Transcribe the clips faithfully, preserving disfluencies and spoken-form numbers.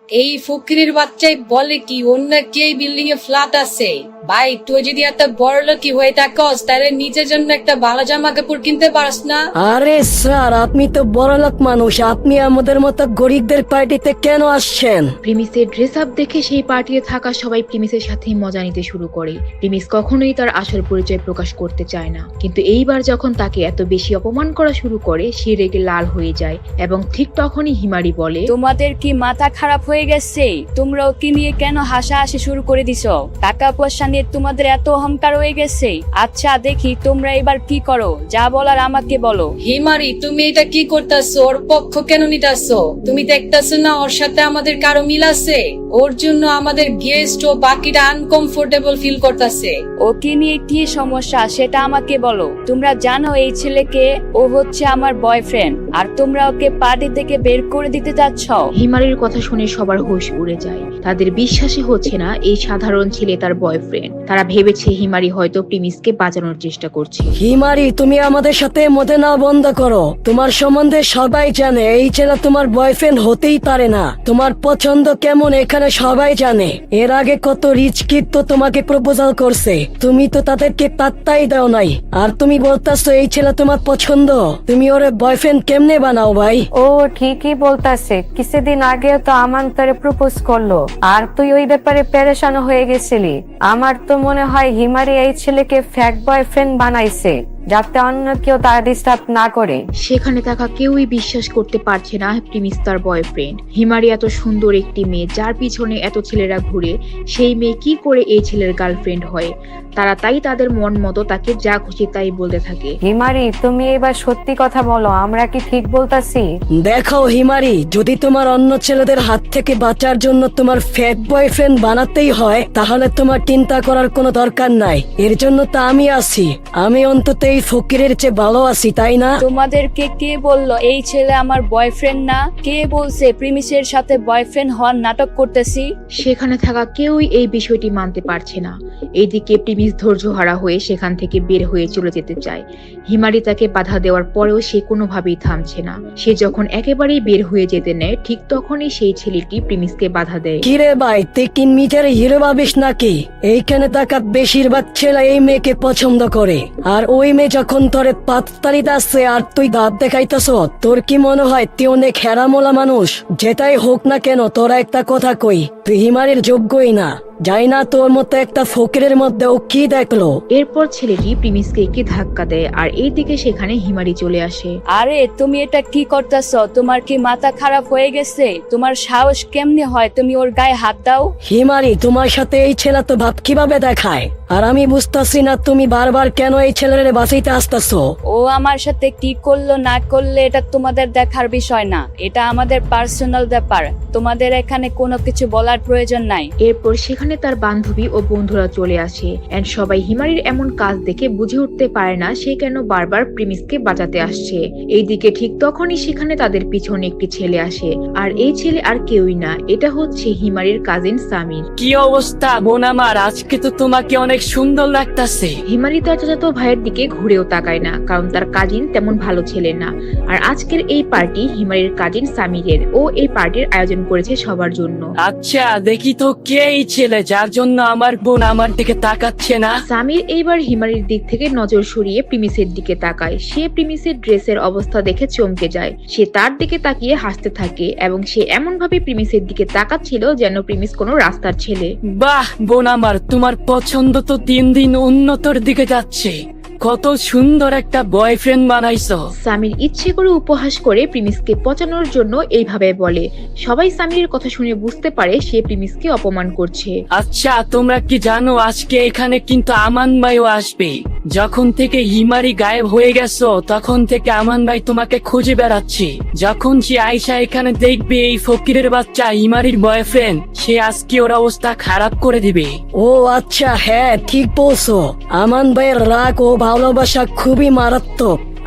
এই ফকিরের বাচ্চাই বলে কি অন্য কি এই বিল্ডিং এ ফ্ল্যাট আছে। ভাই তুই যদি একটা বড় লোকই হয়ে থাকস তাহলে নিজের জন্য একটা ভালো জামা কাপড় কিনতে পারস না? আরে স্যার, আপনি তো বড়লোক মানুষ, আপনি আমাদের মতো গরিবদের পার্টিতে কেন আসছেন? প্রিমিসের ড্রেস আপ দেখে সেই পার্টিতে থাকা সবাই প্রিমিসের সাথে মজা নিতে শুরু করে। প্রিমিস কখনোই তার আসল পরিচয় প্রকাশ করতে চায় না, কিন্তু এইবার যখন তাকে এত বেশি অপমান করা শুরু করে সে রেগে লাল হয়ে যায় এবং ঠিক তখনই হিমারি বলে, তোমাদের কি মাথা খারাপ হয়ে গেছে? তোমরা ওকে নিয়ে কেন হাসাহাসি শুরু করে দিছো? টাকা পয়সা নিয়ে তোমাদের এত অহংকার হয়ে গেছে? আচ্ছা দেখি তোমরা এবার কি করো, যা বলার আমাকে বলো। হিমারি তুমি এটা কি করতেছো? ওর পক্ষ কেন নিতেছো? তুমি দেখতেছো না ওর সাথে আমাদের কারো মিল আছে? ওর জন্য আমাদের গেস্ট ও বাকিরা আনকমফোর্টেবল ফিল করতেছে। ওকে নিয়ে কি সমস্যা সেটা আমাকে বলো। তোমরা জানো এই ছেলেকে, ও হচ্ছে আমার বয়ফ্রেন্ড, আর তোমরা ওকে পার্টি থেকে বের করে দিতে চাচ্ছ। হিমারির কথা শুনে সবার হুঁশ উড়ে যায়। তাদের বিশ্বাসই হচ্ছে না এই সাধারণ ছেলে তার বয়ফ্রেন্ড। তারা ভেবেছে হিমারি হয়তো প্রিমিসকে বাঁচানোর চেষ্টা করছে। হিমারি, তুমি আমাদের সাথে মজা না বন্ধ করো। তোমার সম্বন্ধে সবাই জানে এই ছেলে তোমার বয়ফ্রেন্ড হতেই পারে না। তোমার পছন্দ কেমন এখানে সবাই জানে। এর আগে কত রিচ কিড তো তোমাকে প্রপোজাল করছে, তুমি তো তাদেরকে পাত্তাই দাও নাই। আর তুমি বলতাছো এই ছেলে তোমার পছন্দ, তুমি ওর বয়ফ্রেন্ড কেমনে বানাও ভাই? ও ঠিকই বলতাছে, কিছুদিন আগে তো আমান তোরে প্রপোজ করলো আর তুই ওই ব্যাপারে পেরেশান হয়ে গেছিলি। আমার তো মনে হয় হিমারি এই ছেলেকে ফ্যাক বয়ফ্রেন্ড বানাইছে যাতে অন্য কেউ তার ডিস্টার্ব না করে। সেখানে থাকা কেউই বিশ্বাস করতে পারছে না প্রিমিস তার বয়ফ্রেন্ড। হিমারি এত সুন্দর একটি মেয়ে যার পিছনে এত ছেলেরা ঘুরে, সেই মেয়ে কি করে এই ছেলের গার্লফ্রেন্ড হয়? তারা তাই তাদের মন মতো তাকে যা খুশি তাই বলতে থাকে। হিমারি, তুমি এবার সত্যি কথা বলো, আমরা কি ঠিক বলতাছি? দেখো হিমারি, যদি তোমার অন্য ছেলেদের হাত থেকে বাঁচার জন্য তোমার ফেক বয়ফ্রেন্ড বানাতেই হয় তাহলে তোমার চিন্তা করার কোনো দরকার নাই। এর জন্য তো আমি আছি। আমি অন্তত এই ফকিরের চেয়ে ভালো আছি, তাই না? তোমাদেরকে কে বললো এই ছেলে আমার বয়ফ্রেন্ড না? কে বলছে প্রিমিসের সাথে বয়ফ্রেন্ড হওয়ার নাটক করতেছি? সেখানে থাকা কেউই এই বিষয়টি মানতে পারছে না। এইদিকে প্রিমিস ধৈর্যহারা হয়ে সেখান থেকে বের হয়ে চলে যেতে চায়। হিমারি তাকে বাধা দেওয়ার পরেও সে কোনোভাবেই থামছে না। সে যখন একেবারেই বের হয়ে যেতে নেয় ঠিক তখনই সেই ছেলেটি প্রিমিসকে বাধা দেয়। কিরে ভাই, তুই কি নিজের হিরো ভাবিস নাকি? এইখানে থাকা বেশিরভাগ ছেলে এই মেয়েকে পছন্দ করে, আর ওই মেয়ে যখন তোরে পাততালি দাচ্ছে আর তুই দাঁত দেখাইতেছ, তোর কি মনে হয় তুই অনেক হেরামোলা মানুষ? যেটাই হোক না কেন তোরা একটা কথা কই, তুই হিমারির যোগ্যই না। যাই না তোর মতো একটা ফকিরের মধ্যে ও কি দেখলো? এরপর ছেলেটি প্রিমিসকে একটি ধাক্কা দেয় আর এইদিকে সেখানে হিমারি চলে আসে। আরে তুমি এটা কি করতেছ? তোমার কি মাথা খারাপ হয়ে গেছে? তোমার সাহস কেমনে হয় তুমি ওর গায়ে হাত দাও? হিমারি, তোমার সাথে এই ছেলে তো ভাব কিভাবে দেখায়, আর আমি বুঝতেছি না তুমি বারবার কেন এই ছেলের বাঁচাইতে আসতেছো। ও আমার সাথে কি করলো না করলে এটা তোমাদের দেখার বিষয় না, এটা আমাদের পার্সোনাল ব্যাপার। তোমাদের এখানে কোনো কিছু বলার প্রয়োজন নাই। এরপর সেখানে তার বান্ধবী ও বন্ধুরা চলে আসে এন্ড সবাই হিমারির এমন কাজ দেখে বুঝে উঠতে পারে না সে কেন বারবার প্রিমিসকে বাঁচাতে আসছে। এইদিকে ঠিক তখনই সেখানে তাদের পিছনে একটি ছেলে আসে, আর এই ছেলে আর কেউই না, এটা হচ্ছে হিমারির কাজিন সামির। কি অবস্থা বোন আমার? আজকে তো তোমাকে অনেক সুন্দর লাগতাছে। হিমারি তার চাচাতো ভাইয়ের দিকে ঘুরেও তাকায় না, কারণ তার কাজিন তেমন ভালো ছেলে না। আর আজকের এই পার্টি হিমারির কাজিন সামিরের। ও এই পার্টির আয়োজন করেছে সবার জন্য। আচ্ছা দেখি তো কে এই ছেলে যার জন্য আমার বোন আমার দিকে তাকাচ্ছে না? সামির এইবার হিমারির দিক থেকে নজর সরিয়ে প্রিমিসের দিকে তাকায়। সে প্রিমিসের ড্রেসের অবস্থা দেখে চমকে যায়। সে তার দিকে তাকিয়ে হাসতে থাকে এবং সে এমন ভাবে প্রিমিসের দিকে তাকাচ্ছিল যেন প্রিমিস কোনো রাস্তার ছেলে। বাহ বোন আমার, তোমার পছন্দ তো দিন দিন উন্নতর দিকে যাচ্ছে। কত সুন্দর একটা বয়ফ্রেন্ড বানাইছো। সামির ইচ্ছে করে উপহাস করে প্রিমিসকে পচানোর জন্য এইভাবে বলে। সবাই সামিরের কথা শুনে বুঝতে পারে সে প্রিমিসকে অপমান করছে। আচ্ছা তোমরা কি জানো আজকে এখানে কিন্তু আমান ভাইও আসবে? যখন থেকে হিমারি গায়েব হয়ে গেছো তখন থেকে আমান ভাই তোমাকে খুঁজে বেড়াচ্ছে। যখন সে আয়শা এখানে দেখবে এই ফকিরের বাচ্চা হিমারির বয়ফ্রেন্ড, সে আজকে ওর অবস্থা খারাপ করে দিবে। ও আচ্ছা, হ্যাঁ ঠিক বলছো। আমান ভাইয়ের রাগ ও ভালোবাসা খুবই মারাত্মক।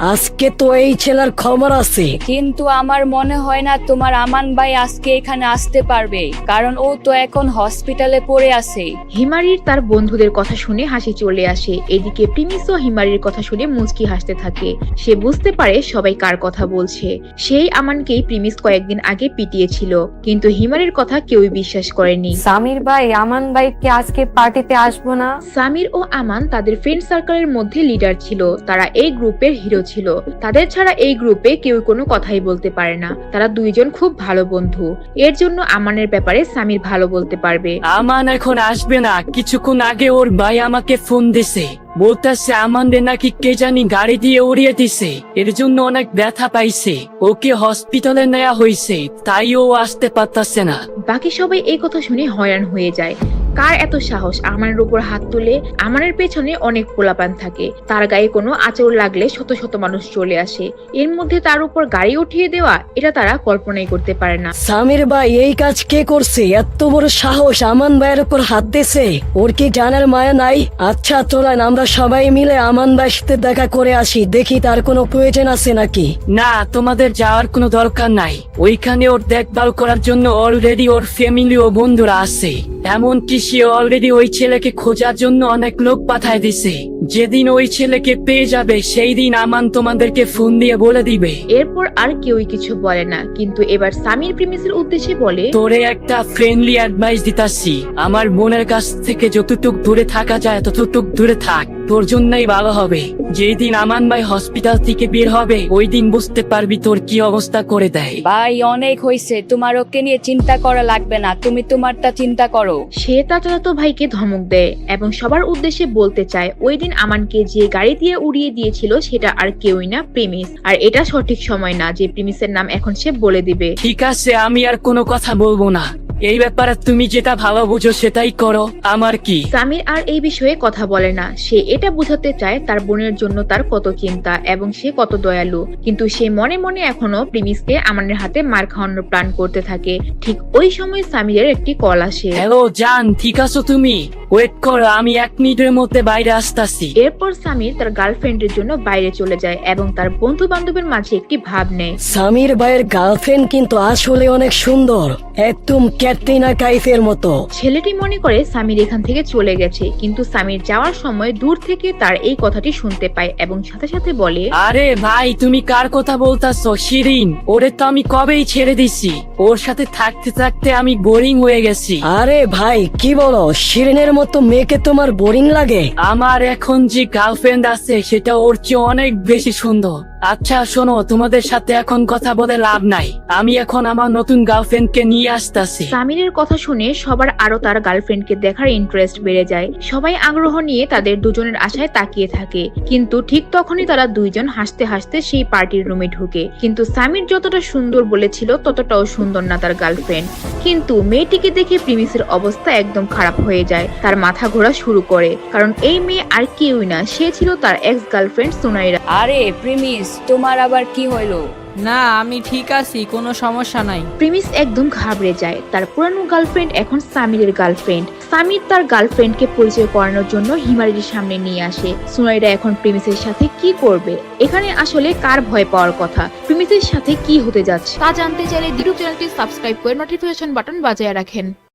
আজকে তো এই ছেলের খবর আছে। কিন্তু আমার মনে হয় না তোমার আমান ভাই আজকে এখানে আসতে পারবে, কারণ ও তো এখন হসপিটালে পড়ে আছে। হিমারির তার বন্ধুদের কথা শুনে হাসি চলে আসে। এদিকে প্রিমিসও হিমারির কথা শুনে মুচকি হাসতে থাকে। সে বুঝতে পারে সবাই কার কথা বলছে। সেই আমানকেই প্রিমিস কয়েকদিন আগে পিটিয়েছিল, কিন্তু হিমারির কথা কেউই বিশ্বাস করেনি। সামির ভাই আমান ভাই কি আজকে পার্টিতে আসবো না? সামির ও আমান তাদের ফ্রেন্ড সার্কেলের মধ্যে লিডার ছিল। তারা এই গ্রুপের হিরো ছিল। তাদের ছাড়া এই গ্রুপে কেউ কোনো কথাই বলতে পারে না। তারা দুইজন খুব ভালো বন্ধু। এর জন্য আমানের ব্যাপারে সামির ভালো বলতে পারবে। আমান এখন আসবে না। কিছুক্ষণ আগে ওর ভাই আমাকে ফোন দিছে, বলতেছে আমাদের নাকি কে জানি গাড়ি দিয়ে উড়িয়ে দিছে, এর জন্য অনেক ব্যথা পাইছে, ওকে হসপিটালে নেওয়া হয়েছে, তাই ও আসতে পারতাছে না। বাকি সবাই এই কথা শুনে হয়রান হয়ে যায়। কার এত সাহস আমানের উপর হাত তুলে? আমানের পেছনে অনেক পোলাপান থাকে। তার গায়ে কোনো আঁচড় লাগলে শত শত মানুষ চলে আসে। এর মধ্যে তার উপর গাড়ি উঠিয়ে দেওয়া, এটা তারা কল্পনাই করতে পারে না। সামির ভাই এই কাজ কে করছে? এত বড় সাহস আমান ভাইয়ের উপর হাত দিছে। ওর কি জানার মায়া নাই? আচ্ছা চলেন আমরা সবাই মিলে আমান ভাইয়ের সাথে দেখা করে আসি, দেখি তার কোনো প্রয়োজন আছে নাকি। না, তোমাদের যাওয়ার কোনো দরকার নাই। ওইখানে ওর দেখভাল করার জন্য অলরেডি ওর ফ্যামিলি ও বন্ধুরা আছে। এমনকি সে অলরেডি ওই ছেলেকে খোঁজার জন্য অনেক লোক পাঠায় দিছে। যেদিন ওই ছেলেকে পেয়ে যাবে সেই দিন আমান তোমাদেরকে ফোন দিয়ে বলে দিবে। এরপর আর কেউই কিছু বলে না, কিন্তু এবার সামির প্রিমিসের উদ্দেশ্যে বলে, তোরে একটা ফ্রেন্ডলি অ্যাডভাইস দিতাছি, আমার বোনের কাছ থেকে যতটুক দূরে থাকা যায় ততটুক দূরে থাক, তোর জন্যই ভালো হবে। যেই দিন আমান ভাই হসপিটাল থেকে বের হবে ওই দিন বুঝতে পারবি তোর কি অবস্থা করে দেয়। ভাই অনেক হয়েছে, তোমার ওকে নিয়ে চিন্তা করা লাগবে না, তুমি তোমারটা চিন্তা করো। সে তার চাচাতো ভাইকে ধমক দেয় এবং সবার উদ্দেশ্যে বলতে চায় ওই দিন আমানকে যে গাড়ি দিয়ে উড়িয়ে দিয়েছিল সেটা আর কেউই না, প্রিমিস। আর এটা সঠিক সময় না যে প্রিমিসের নাম এখন সে বলে দিবে। ঠিক আছে, আমি আর কোনো কথা বলবো না। এই ব্যাপারে তুমি যেটা ভালো বুঝো সেটাই করো, আমার কি। সামির আর এই বিষয়ে কথা বলে না। সে এটা বোঝাতে চায় তার বোনের জন্য তার কত চিন্তা এবং সে কত দয়ালু, কিন্তু সে মনে মনে এখনো প্রিমিসকে আমানের হাতে মার খাওয়ানোর প্ল্যান করতে থাকে। ঠিক ওই সময় সামিরের একটি কল আসে। হ্যালো জান, ঠিক আছো তুমি? ওয়েট করো, আমি এক মিনিটের মধ্যে বাইরে আসতাছি। এরপর সামির তার গার্লফ্রেন্ডের জন্য বাইরে চলে যায় এবং তার বন্ধু বান্ধবের মাঝে একটি ভাব নেয়। সামির ভাইয়ের গার্লফ্রেন্ড কিন্তু আসলে অনেক সুন্দর, একদম ক্যাটরিনা কাইফের মতো। ছেলেটি মনে করে সামির এখান থেকে চলে গেছে, কিন্তু সামির যাওয়ার সময় দূর থেকে তার এই কথাটি শুনতে পায় এবং সাথে সাথে বলে, আরে ভাই তুমি কার কথা বলতাছো? শিরিন, ওরে তো আমি কবেই ছেড়ে দিছি। ওর সাথে থাকতে থাকতে আমি বোরিং হয়ে গেছি। আরে ভাই কি বলো, শিরিনের মতো মেয়েকে তোমার বোরিং লাগে? আমার এখন যে গার্লফ্রেন্ড আছে সেটা ওর চেয়ে অনেক বেশি সুন্দর। আচ্ছা শোনো, তোমাদের সাথে এখন কথা বলে লাভ নাই, আমি এখন আমার নতুন গার্লফ্রেন্ডকে নিয়ে আসতেছি। সামিরের কথা শুনে সবার আরো তার গার্লফ্রেন্ডকে দেখার ইন্টারেস্ট বেড়ে যায়। সবাই আগ্রহ নিয়ে তাদের দুজনের আশায় তাকিয়ে থাকে, কিন্তু ঠিক তখনই তারা দুইজন হাসতে হাসতে সেই পার্টির রুমে ঢুকে। কিন্তু সামির যতটা সুন্দর বলেছিল ততটাও সুন্দর না তার গার্লফ্রেন্ড। কিন্তু মেয়েটিকে দেখে প্রিমিসের অবস্থা একদম খারাপ হয়ে যায়। তার মাথা ঘোরা শুরু করে, কারণ এই মেয়ে আর কেউই না, সে ছিল তার এক্স গার্লফ্রেন্ড সুনাইরা। আরে প্রিমিস, তোমার আবার কি হইলো? না আমি ঠিক আছি, কোনো সমস্যা নাই। প্রিমিস একদম ঘাবড়ে যায়। তার পুরানো গার্লফ্রেন্ড এখন সামিরের গার্লফ্রেন্ড। সামির তার গার্লফ্রেন্ডকে পরিচয় করানোর জন্য হিমারির সামনে নিয়ে আসে। সুনাইরা এখন প্রিমিসের সাথে কি করবে? এখানে আসলে কার ভয় পাওয়ার কথা? প্রিমিসের সাথে কি হতে যাচ্ছে তা জানতে চাইলে ইউটিউব চ্যানেলটি সাবস্ক্রাইব করে নোটিফিকেশন বাটন বাজিয়ে রাখেন।